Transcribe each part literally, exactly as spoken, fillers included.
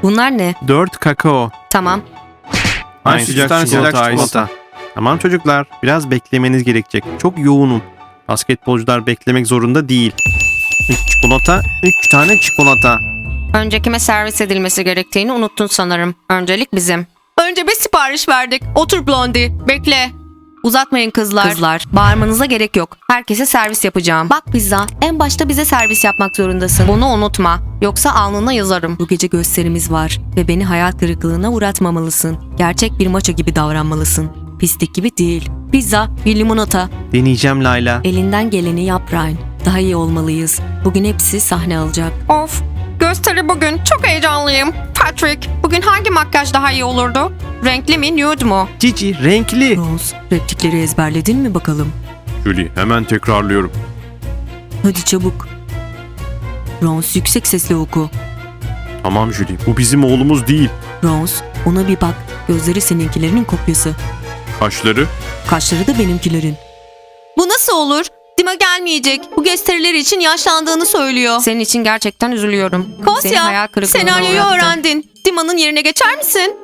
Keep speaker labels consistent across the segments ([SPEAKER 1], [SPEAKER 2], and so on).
[SPEAKER 1] Bunlar ne?
[SPEAKER 2] Dört kakao.
[SPEAKER 1] Tamam.
[SPEAKER 2] Aynı sıcak çikolata, çikolata. Tamam çocuklar, biraz beklemeniz gerekecek. Çok yoğunum. Basketbolcular beklemek zorunda değil. Üç çikolata, üç tane çikolata.
[SPEAKER 1] Önce kime servis edilmesi gerektiğini unuttun sanırım. Öncelik bizim. Önce bir sipariş verdik. Otur Blondie. Bekle. Uzatmayın kızlar. Kızlar, bağırmanıza gerek yok. Herkese servis yapacağım. Bak pizza, en başta bize servis yapmak zorundasın. Bunu unutma. Yoksa alnına yazarım. Bu gece gösterimiz var ve beni hayal kırıklığına uğratmamalısın. Gerçek bir maço gibi davranmalısın. Pislik gibi değil. Pizza, bir limonata.
[SPEAKER 2] Deneyeceğim Layla.
[SPEAKER 1] Elinden geleni yap Ryan. Daha iyi olmalıyız. Bugün hepsi sahne alacak. Of, gösteri bugün. Çok heyecanlıyım. Patrick, bugün hangi makyaj daha iyi olurdu? Renkli mi, nude mu?
[SPEAKER 2] Cici, renkli.
[SPEAKER 1] Rose, replikleri ezberledin mi bakalım?
[SPEAKER 2] Julie, hemen tekrarlıyorum.
[SPEAKER 1] Hadi çabuk. Rose, yüksek sesle oku.
[SPEAKER 2] Tamam Julie, bu bizim oğlumuz değil.
[SPEAKER 1] Rose, ona bir bak. Gözleri seninkilerinin kopyası.
[SPEAKER 2] Kaşları?
[SPEAKER 1] Kaşları da benimkilerin. Bu nasıl olur? Dima gelmeyecek. Bu gösteriler için yaşlandığını söylüyor. Senin için gerçekten üzülüyorum. Kosya, senaryoyu öğrendin. Dima'nın yerine geçer misin?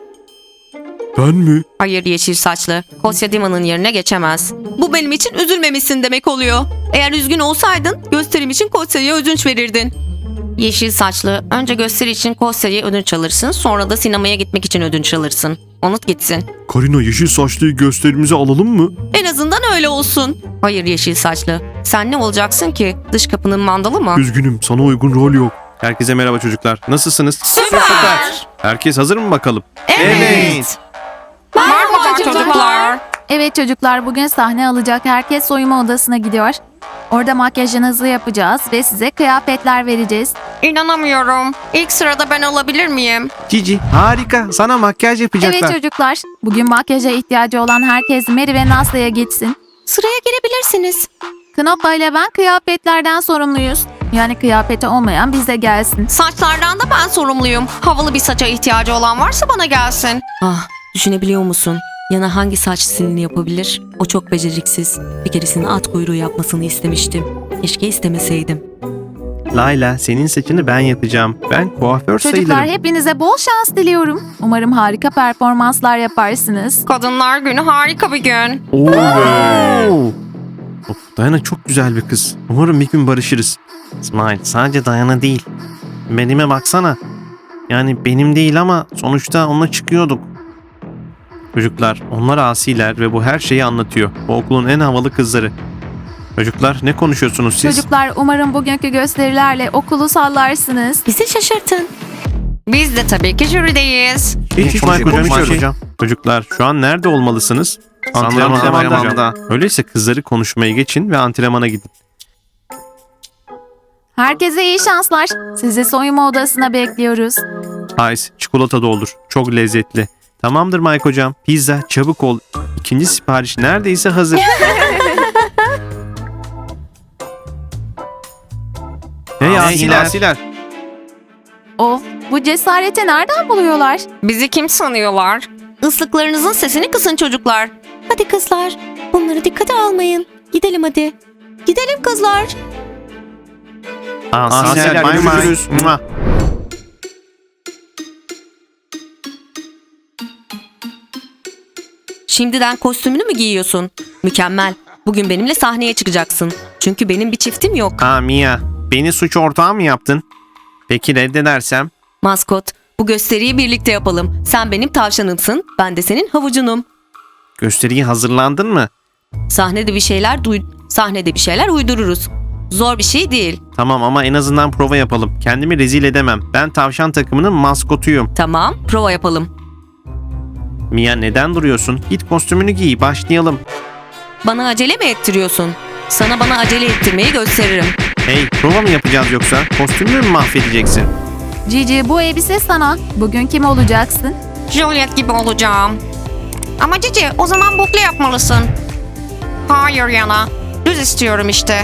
[SPEAKER 2] Ben mi?
[SPEAKER 1] Hayır yeşil saçlı. Kosya Dima'nın yerine geçemez. Bu benim için üzülmemişsin demek oluyor. Eğer üzgün olsaydın gösterim için Kosya'ya ödünç verirdin. Yeşil saçlı, önce gösteri için Kosya'ya ödünç alırsın, sonra da sinemaya gitmek için ödünç alırsın. Unut gitsin.
[SPEAKER 2] Karina, yeşil saçlıyı gösterimize alalım mı?
[SPEAKER 1] En azından öyle olsun. Hayır yeşil saçlı. Sen ne olacaksın ki? Dış kapının mandalı mı?
[SPEAKER 2] Üzgünüm, sana uygun rol yok. Herkese merhaba çocuklar. Nasılsınız?
[SPEAKER 1] Süper.
[SPEAKER 2] Herkes hazır mı bakalım?
[SPEAKER 1] Evet. Merhaba çocuklar.
[SPEAKER 3] Evet çocuklar, bugün sahne alacak herkes soyunma odasına gidiyor. Orada makyajınızı yapacağız ve size kıyafetler vereceğiz.
[SPEAKER 1] İnanamıyorum. İlk sırada ben olabilir miyim?
[SPEAKER 2] Cici, harika. Sana makyaj yapacaklar.
[SPEAKER 3] Evet çocuklar, bugün makyaja ihtiyacı olan herkes Mary ve Nastya'ya gitsin.
[SPEAKER 1] Sıraya girebilirsiniz.
[SPEAKER 3] Knoppa ile ben kıyafetlerden sorumluyuz. Yani kıyafeti olmayan bize gelsin.
[SPEAKER 1] Saçlardan da ben sorumluyum. Havalı bir saça ihtiyacı olan varsa bana gelsin. Ah, düşünebiliyor musun? Yana hangi saç stilini yapabilir? O çok beceriksiz. Bir keresinde at kuyruğu yapmasını istemiştim. Keşke istemeseydim.
[SPEAKER 2] Layla, senin saçını ben yapacağım. Ben kuaför
[SPEAKER 3] Çocuklar,
[SPEAKER 2] sayılırım.
[SPEAKER 3] hepinize bol şans diliyorum. Umarım harika performanslar yaparsınız.
[SPEAKER 1] Kadınlar günü harika bir gün.
[SPEAKER 2] Oo. Of, Dayana çok güzel bir kız. Umarım bir gün barışırız. İsmail, sadece Dayana değil. Benime baksana. Yani benim değil ama sonuçta onunla çıkıyorduk. Çocuklar, onlar asiler ve bu her şeyi anlatıyor. Bu okulun en havalı kızları. Çocuklar, ne konuşuyorsunuz siz?
[SPEAKER 3] Çocuklar, umarım bugünkü gösterilerle okulu sallarsınız.
[SPEAKER 1] Bizi şaşırtın. Biz de tabii ki jürideyiz.
[SPEAKER 2] Hiç hiç Mike hocam, hiç hocam. Çocuklar, şu an nerede olmalısınız?
[SPEAKER 4] Antrenmanda.
[SPEAKER 2] Antrenmanda. Öyleyse kızları konuşmaya geçin ve antrenmana gidin.
[SPEAKER 3] Herkese iyi şanslar. Sizi soyunma odasına bekliyoruz.
[SPEAKER 2] Ice, çikolata doldur. Çok lezzetli. Tamamdır Mike hocam. Pizza, çabuk ol. İkinci sipariş neredeyse hazır. Hey asiler. asiler.
[SPEAKER 3] Of, bu cesareti nereden buluyorlar?
[SPEAKER 1] Bizi kim sanıyorlar? Islıklarınızın sesini kısın çocuklar. Hadi kızlar, bunları dikkate almayın. Gidelim hadi. Gidelim kızlar.
[SPEAKER 2] Asiler, görüşürüz. Mua.
[SPEAKER 1] Şimdiden kostümünü mü giyiyorsun? Mükemmel. Bugün benimle sahneye çıkacaksın. Çünkü benim bir çiftim yok.
[SPEAKER 2] Aa Mia, beni suç ortağı mı yaptın? Peki reddedersem?
[SPEAKER 1] Maskot, bu gösteriyi birlikte yapalım. Sen benim tavşanımsın, ben de senin havucunum.
[SPEAKER 2] Gösteriye hazırlandın mı?
[SPEAKER 1] Sahnede bir şeyler duy sahnede bir şeyler uydururuz. Zor bir şey değil.
[SPEAKER 2] Tamam ama en azından prova yapalım. Kendimi rezil edemem. Ben tavşan takımının maskotuyum.
[SPEAKER 1] Tamam, prova yapalım.
[SPEAKER 2] Mia, neden duruyorsun? Git kostümünü giy, başlayalım.
[SPEAKER 1] Bana acele mi ettiriyorsun? Sana bana acele ettirmeyi gösteririm.
[SPEAKER 2] Hey, prova mı yapacağız yoksa? Kostümünü mü mahvedeceksin?
[SPEAKER 3] Cici, bu elbise sana. Bugün kim olacaksın?
[SPEAKER 1] Juliet gibi olacağım. Ama Cici, o zaman bukle yapmalısın. Hayır Yana, düz istiyorum işte.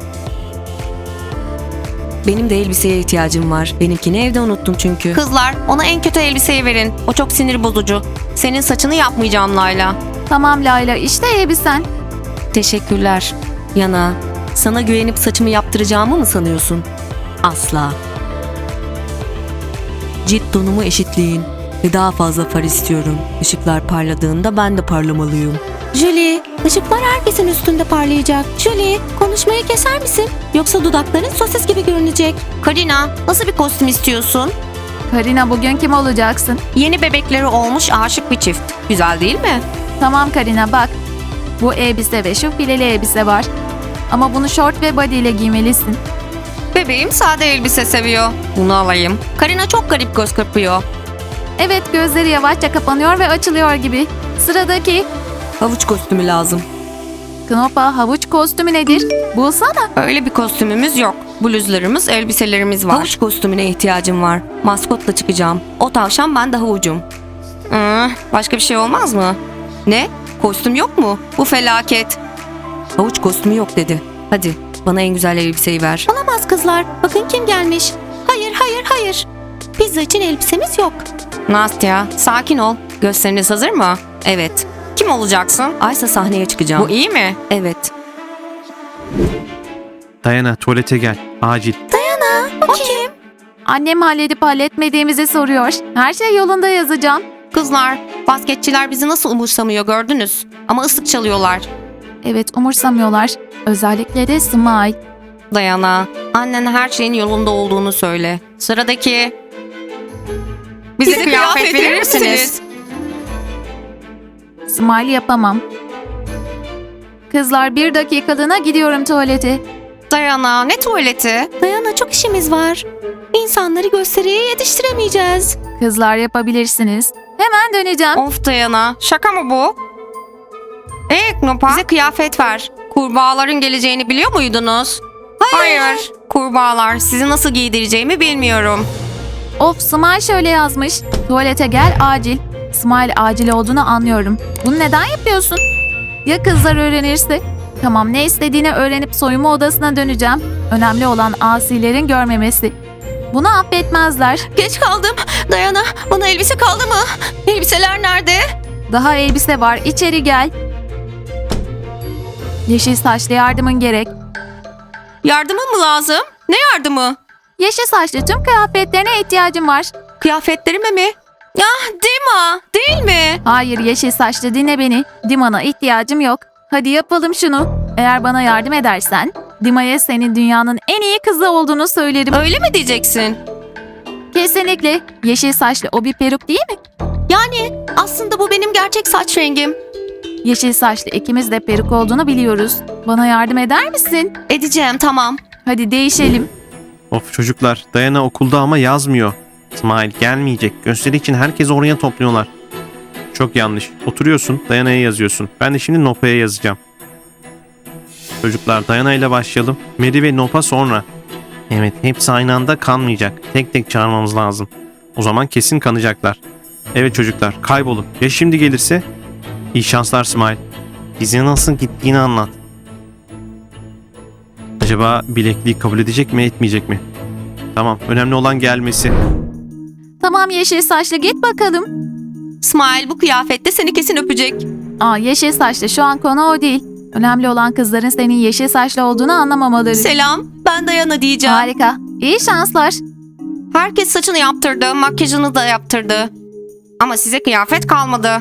[SPEAKER 1] Benim de elbiseye ihtiyacım var. Benimkini evde unuttum çünkü. Kızlar, ona en kötü elbiseyi verin. O çok sinir bozucu. Senin saçını yapmayacağım Layla.
[SPEAKER 3] Tamam Layla, işte elbisen.
[SPEAKER 1] Teşekkürler. Yana, sana güvenip saçımı yaptıracağımı mı sanıyorsun? Asla.
[SPEAKER 4] Cilt tonumu eşitleyin. Ve daha fazla far istiyorum. Işıklar parladığında ben de parlamalıyım.
[SPEAKER 1] Julie, ışıklar herkesin üstünde parlayacak. Julie, konuşmayı keser misin? Yoksa dudakların sosis gibi görünecek. Karina, nasıl bir kostüm istiyorsun?
[SPEAKER 3] Karina, bugün kim olacaksın?
[SPEAKER 1] Yeni bebekleri olmuş aşık bir çift. Güzel değil mi?
[SPEAKER 3] Tamam Karina, bak. Bu elbise ve şu fileli elbise var. Ama bunu şort ve body ile giymelisin.
[SPEAKER 1] Bebeğim sade elbise seviyor. Bunu alayım. Karina çok garip göz kırpıyor.
[SPEAKER 3] Evet, gözleri yavaşça kapanıyor ve açılıyor gibi. Sıradaki
[SPEAKER 4] Havuç kostümü lazım.
[SPEAKER 3] Knopa havuç kostümü nedir? Bulsana.
[SPEAKER 1] Öyle bir kostümümüz yok. Bluzlarımız, elbiselerimiz var.
[SPEAKER 4] Havuç kostümüne ihtiyacım var. Maskotla çıkacağım.
[SPEAKER 1] O tavşan, ben de havucum. Hmm, başka bir şey olmaz mı? Ne? Kostüm yok mu? Bu felaket.
[SPEAKER 4] Havuç kostümü yok dedi. Hadi bana en güzel elbiseyi ver.
[SPEAKER 1] Olamaz kızlar. Bakın kim gelmiş. Hayır, hayır, hayır. Pizza için elbisemiz yok. Nastya, sakin ol. Gösteriniz hazır mı? Evet. Kim olacaksın?
[SPEAKER 4] Aysa sahneye çıkacağım.
[SPEAKER 1] Bu iyi mi?
[SPEAKER 4] Evet.
[SPEAKER 2] Dayana tuvalete gel. Acil.
[SPEAKER 1] O kim?
[SPEAKER 3] Annem halledip halletmediğimizi soruyor. Her şey yolunda yazacağım.
[SPEAKER 1] Kızlar, basketçiler bizi nasıl umursamıyor gördünüz. Ama ıslık çalıyorlar.
[SPEAKER 3] Evet, umursamıyorlar. Özellikle de Smile.
[SPEAKER 1] Dayana, annen her şeyin yolunda olduğunu söyle. Sıradaki. Bize, kıyafet, verir misiniz?
[SPEAKER 3] Smile yapamam. Kızlar, bir dakikalığına gidiyorum tuvalete.
[SPEAKER 1] Dayana, ne tuvaleti? Dayana, çok işimiz var. İnsanları gösteriye yetiştiremeyeceğiz.
[SPEAKER 3] Kızlar, yapabilirsiniz. Hemen döneceğim.
[SPEAKER 1] Of Dayana, şaka mı bu? Ee Knopa, bize kıyafet ver. Kurbağaların geleceğini biliyor muydunuz? Hayır. Kurbağalar, sizi nasıl giydireceğimi bilmiyorum.
[SPEAKER 3] Of, Smile şöyle yazmış. Tuvalete gel acil. Smile acil olduğunu anlıyorum. Bunu neden yapıyorsun? Ya kızlar öğrenirse? Tamam, ne istediğini öğrenip soyunma odasına döneceğim. Önemli olan asilerin görmemesi. Bunu affetmezler.
[SPEAKER 1] Geç kaldım. Dayana, bana elbise kaldı mı? Elbiseler nerede?
[SPEAKER 3] Daha elbise var, içeri gel. Yeşil saçlı, yardımın gerek.
[SPEAKER 1] Yardımın mı lazım? Ne yardımı?
[SPEAKER 3] Yeşil saçlı, tüm kıyafetlerine ihtiyacım var.
[SPEAKER 1] Kıyafetlerime mi? Ya Dima, değil mi?
[SPEAKER 3] Hayır, yeşil saçlı, dinle beni. Dima'na ihtiyacım yok. Hadi yapalım şunu. Eğer bana yardım edersen Dima'ya senin dünyanın en iyi kızı olduğunu söylerim.
[SPEAKER 1] Öyle mi diyeceksin?
[SPEAKER 3] Kesinlikle. Yeşil saçlı, o bir peruk değil mi?
[SPEAKER 1] Yani aslında bu benim gerçek saç rengim.
[SPEAKER 3] Yeşil saçlı, ikimiz de peruk olduğunu biliyoruz. Bana yardım eder misin?
[SPEAKER 1] Edeceğim, tamam.
[SPEAKER 3] Hadi değişelim.
[SPEAKER 2] Of çocuklar. Dayana okulda ama yazmıyor. İsmail gelmeyecek. Gösteri için herkes oraya topluyorlar. Çok yanlış. Oturuyorsun, Dayana'ya yazıyorsun. Ben de şimdi Nopa'ya yazacağım. Çocuklar, Dayana ile başlayalım. Mary ve Nopa sonra. Evet, hepsi aynı anda kanmayacak. Tek tek çağırmamız lazım. O zaman kesin kanacaklar. Evet çocuklar, kaybolun. Ya şimdi gelirse? İyi şanslar Smile. Bize nasıl gittiğini anlat. Acaba bilekliği kabul edecek mi, etmeyecek mi? Tamam, önemli olan gelmesi.
[SPEAKER 3] Tamam yeşil saçlı, git bakalım.
[SPEAKER 1] Smile bu kıyafette seni kesin öpecek.
[SPEAKER 3] Aa, yeşil saçlı, şu an konu o değil. Önemli olan kızların senin yeşil saçlı olduğunu anlamamaları.
[SPEAKER 1] Selam, ben Dayana diyeceğim.
[SPEAKER 3] Harika. İyi şanslar.
[SPEAKER 1] Herkes saçını yaptırdı, makyajını da yaptırdı. Ama size kıyafet kalmadı.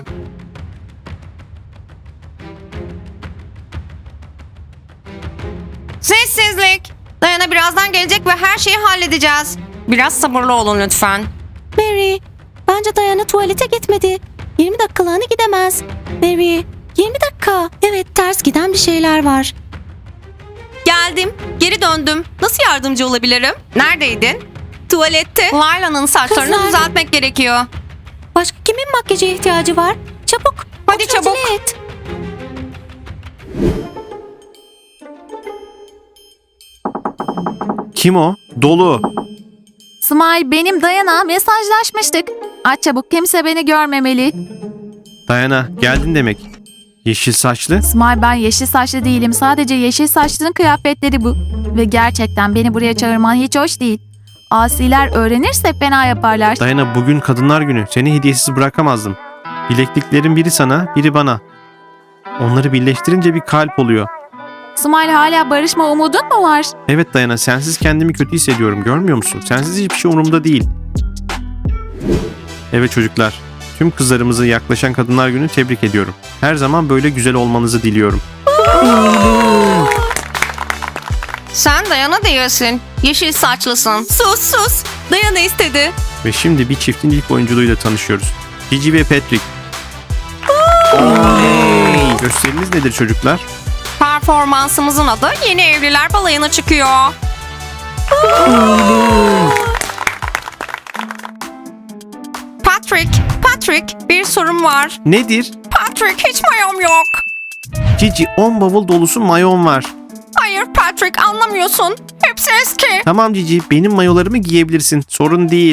[SPEAKER 1] Sessizlik. Dayana birazdan gelecek ve her şeyi halledeceğiz. Biraz sabırlı olun lütfen. Mary, bence Dayana tuvalete gitmedi. yirmi dakikalığına gidemez. Mary, yirmi dakika. Evet, ters giden bir şeyler var. Geldim, geri döndüm. Nasıl yardımcı olabilirim? Neredeydin? Tuvalette. Layla'nın saçlarını
[SPEAKER 3] Kızlar.
[SPEAKER 1] düzeltmek gerekiyor. Başka kimin makyaja ihtiyacı var? Çabuk. Hadi
[SPEAKER 3] Otur,
[SPEAKER 1] çabuk.
[SPEAKER 3] acele et.
[SPEAKER 2] Kim o? Dolu.
[SPEAKER 3] Smile, benim Dayana, mesajlaşmıştık. Aç çabuk, kimse beni görmemeli.
[SPEAKER 2] Dayana, geldin demek. Yeşil saçlı.
[SPEAKER 3] Smile, ben yeşil saçlı değilim. Sadece yeşil saçlının kıyafetleri bu. Ve gerçekten beni buraya çağırman hiç hoş değil. Asiler öğrenirse fena yaparlar.
[SPEAKER 2] Dayana, bugün Kadınlar Günü. Seni hediyesiz bırakamazdım. Bilekliklerin biri sana, biri bana. Onları birleştirince bir kalp oluyor.
[SPEAKER 3] Smile, hala barışma umudun mu var?
[SPEAKER 2] Evet Dayana, sensiz kendimi kötü hissediyorum. Görmüyor musun? Sensiz hiçbir şey umurumda değil. Evet çocuklar, tüm kızlarımızı yaklaşan Kadınlar Günü tebrik ediyorum. Her zaman böyle güzel olmanızı diliyorum.
[SPEAKER 1] Sen Dayana değilsin. Yeşil saçlısın. Sus sus. Dayana istedi.
[SPEAKER 2] Ve şimdi bir çiftin ilk oyunculuğuyla tanışıyoruz. Gigi ve Patrick. Oley! Gösteriniz nedir çocuklar?
[SPEAKER 1] Performansımızın adı Yeni Evliler Balayı'na çıkıyor. Patrick, Patrick bir sorun var.
[SPEAKER 2] Nedir?
[SPEAKER 1] Patrick hiç mayom yok.
[SPEAKER 2] Gigi on bavul dolusu mayon var.
[SPEAKER 1] Hayır Patrick anlamıyorsun. Hepsi eski.
[SPEAKER 2] Tamam Gigi, benim mayolarımı giyebilirsin. Sorun değil.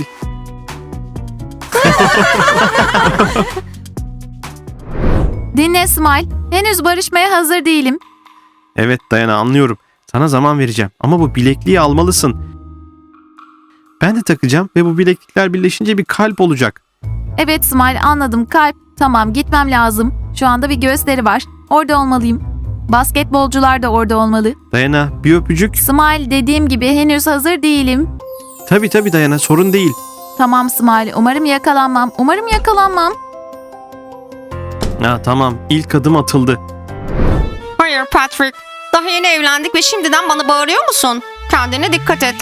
[SPEAKER 3] Dinle Smile. Henüz barışmaya hazır değilim.
[SPEAKER 2] Evet Dayana, anlıyorum. Sana zaman vereceğim ama bu bilekliği almalısın. Ben de takacağım ve bu bileklikler birleşince bir kalp olacak.
[SPEAKER 3] Evet Smile, anladım. Kalp. Tamam, gitmem lazım. Şu anda bir gösteri var. Orada olmalıyım. Basketbolcular da orada olmalı.
[SPEAKER 2] Dayana, bir öpücük.
[SPEAKER 3] Smile, dediğim gibi henüz hazır değilim.
[SPEAKER 2] Tabii tabii Dayana, sorun değil.
[SPEAKER 3] Tamam Smile, umarım yakalanmam. Umarım yakalanmam.
[SPEAKER 2] Ha, tamam, ilk adım atıldı.
[SPEAKER 1] Hayır Patrick. Daha yeni evlendik ve şimdiden bana bağırıyor musun? Kendine dikkat et.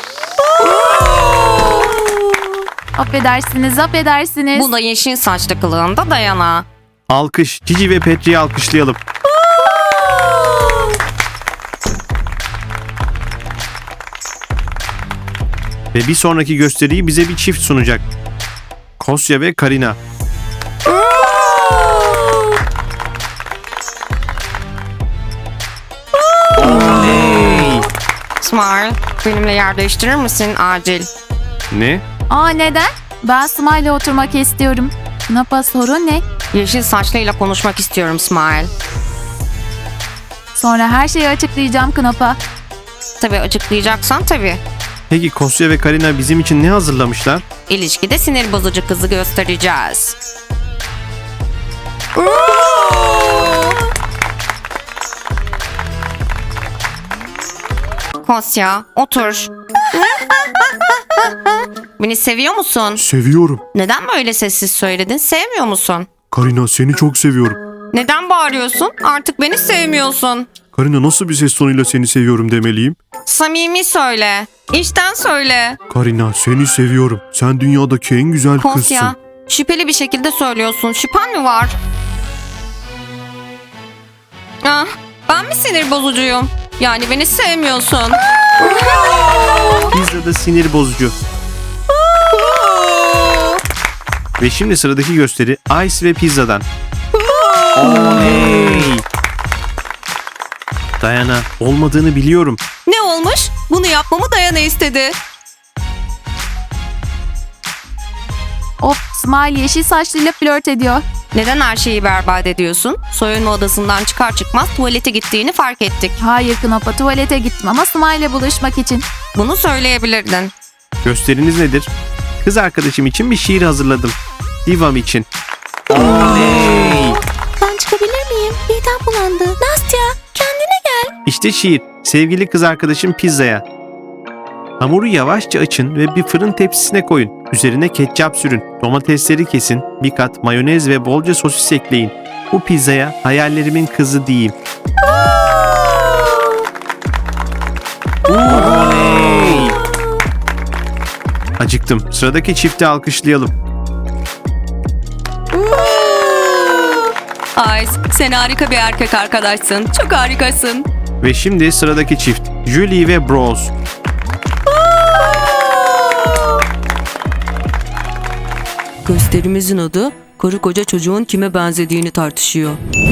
[SPEAKER 3] Affedersiniz, affedersiniz.
[SPEAKER 1] Bu da yeşil saçlı kılığında Dayana.
[SPEAKER 2] Alkış, Gigi ve Patrick'i alkışlayalım. Ve bir sonraki gösteriyi bize bir çift sunacak. Kosya ve Karina. Oley!
[SPEAKER 1] Smile, benimle yer değiştirir misin acil?
[SPEAKER 2] Ne?
[SPEAKER 3] Aa, neden? Ben Smile'le oturmak istiyorum. Napa, sorun ne?
[SPEAKER 1] Yeşil saçlıyla konuşmak istiyorum Smile.
[SPEAKER 3] Sonra her şeyi açıklayacağım Knop'a.
[SPEAKER 1] Tabii açıklayacaksan tabii.
[SPEAKER 2] Peki Kosya ve Karina bizim için ne hazırlamışlar?
[SPEAKER 1] İlişkide sinir bozucu kızı göstereceğiz. Kosya, otur. Beni seviyor musun?
[SPEAKER 2] Seviyorum.
[SPEAKER 1] Neden böyle sessiz söyledin? Sevmiyor musun?
[SPEAKER 2] Karina, seni çok seviyorum.
[SPEAKER 1] Neden bağırıyorsun? Artık beni sevmiyorsun.
[SPEAKER 2] Karina, nasıl bir ses tonuyla seni seviyorum demeliyim?
[SPEAKER 1] Samimi söyle. İçten söyle.
[SPEAKER 2] Karina, seni seviyorum. Sen dünyadaki en güzel
[SPEAKER 1] Kosya, şüpheli bir şekilde söylüyorsun. Şüphen mi var? Ah, ben mi sinir bozucuyum? Yani beni sevmiyorsun.
[SPEAKER 2] Pizza da sinir bozucu. Ve şimdi sıradaki gösteri Ice ve Pizza'dan. Oley! Dayana, olmadığını biliyorum.
[SPEAKER 1] Ne olmuş? Bunu yapmamı Dayana istedi.
[SPEAKER 3] Of, Smile yeşil saçlıyla flört ediyor.
[SPEAKER 1] Neden her şeyi berbat ediyorsun? Soyunma odasından çıkar çıkmaz tuvalete gittiğini fark ettik.
[SPEAKER 3] Hayır Knop'a, tuvalete gittim ama Smile'le buluşmak için.
[SPEAKER 1] Bunu söyleyebilirdin.
[SPEAKER 2] Gösteriniz nedir? Kız arkadaşım için bir şiir hazırladım. Divam için. Oley!
[SPEAKER 3] Ben çıkabilir miyim? Midem bulandı. Nastya, kendine gel.
[SPEAKER 2] İşte şiir. Sevgili kız arkadaşım Pizza'ya. Hamuru yavaşça açın ve bir fırın tepsisine koyun. Üzerine ketçap sürün. Domatesleri kesin. Bir kat mayonez ve bolca sosis ekleyin. Bu pizzaya hayallerimin kızı diyeyim. Oley! Acıktım. Sıradaki çifti alkışlayalım.
[SPEAKER 1] Ice, sen harika bir erkek arkadaşsın. Çok harikasın.
[SPEAKER 2] Ve şimdi sıradaki çift. Julie ve Bros.
[SPEAKER 4] Gösterimizin adı karı koca çocuğun kime benzediğini tartışıyor.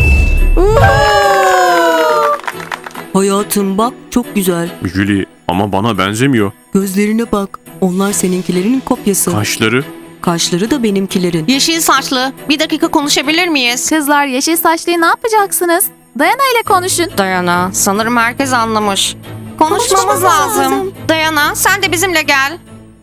[SPEAKER 4] Hayatım bak, çok güzel.
[SPEAKER 2] Julie, ama bana benzemiyor.
[SPEAKER 4] Gözlerine bak. Onlar seninkilerin kopyası.
[SPEAKER 2] Kaşları.
[SPEAKER 4] Kaşları da benimkilerin.
[SPEAKER 1] Yeşil saçlı, bir dakika konuşabilir miyiz?
[SPEAKER 3] Kızlar, yeşil saçlıyı ne yapacaksınız? Dayana ile konuşun.
[SPEAKER 1] Dayana, sanırım herkes anlamış. Konuşmamız,
[SPEAKER 3] Konuşmamız
[SPEAKER 1] lazım.
[SPEAKER 3] lazım.
[SPEAKER 1] Dayana, sen de bizimle gel.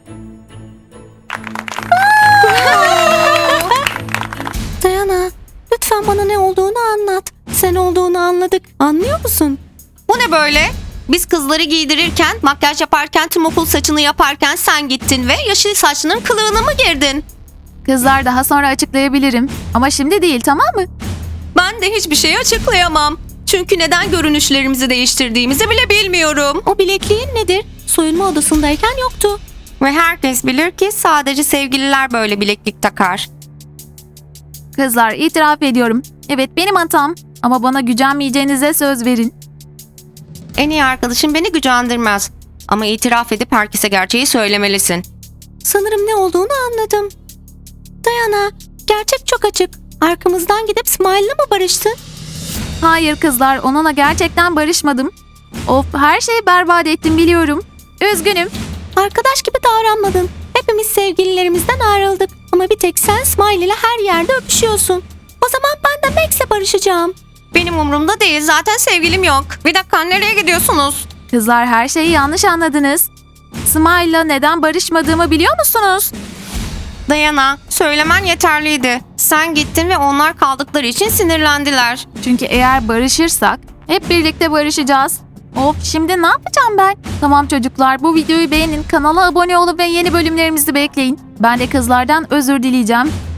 [SPEAKER 4] Dayana, lütfen bana ne olduğunu anlat. Sen olduğunu anladık. Anlıyor musun?
[SPEAKER 1] Bu ne böyle? Biz kızları giydirirken, makyaj yaparken, tüm okul saçını yaparken sen gittin ve yeşil saçlının kılığına mı girdin?
[SPEAKER 3] Kızlar daha sonra açıklayabilirim. Ama şimdi değil, tamam mı?
[SPEAKER 1] Ben de hiçbir şeyi açıklayamam. Çünkü neden görünüşlerimizi değiştirdiğimizi bile bilmiyorum. O bilekliğin nedir? Soyunma odasındayken yoktu. Ve herkes bilir ki sadece sevgililer böyle bileklik takar.
[SPEAKER 3] Kızlar, itiraf ediyorum. Evet, benim hatam. Ama bana gücenmeyeceğinize söz verin.
[SPEAKER 1] En iyi arkadaşım beni gücendirmez. Ama itiraf edip herkese gerçeği söylemelisin. Sanırım ne olduğunu anladım. Dayana, gerçek çok açık. Arkamızdan gidip Smile'la mı barıştın?
[SPEAKER 3] Hayır kızlar, onunla gerçekten barışmadım. Of, her şeyi berbat ettim biliyorum. Üzgünüm.
[SPEAKER 1] Arkadaş gibi davranmadın. Hepimiz sevgililerimizden ayrıldık. Ama bir tek sen Smile ile her yerde öpüşüyorsun. O zaman ben de Max'le barışacağım. Benim umurumda değil. Zaten sevgilim yok. Bir dakika, nereye gidiyorsunuz?
[SPEAKER 3] Kızlar, her şeyi yanlış anladınız. Smile'la neden barışmadığımı biliyor musunuz?
[SPEAKER 1] Dayana, söylemen yeterliydi. Sen gittin ve onlar kaldıkları için sinirlendiler.
[SPEAKER 3] Çünkü eğer barışırsak hep birlikte barışacağız. Of, şimdi ne yapacağım ben? Tamam çocuklar, bu videoyu beğenin, kanala abone olun ve yeni bölümlerimizi bekleyin. Ben de kızlardan özür dileyeceğim.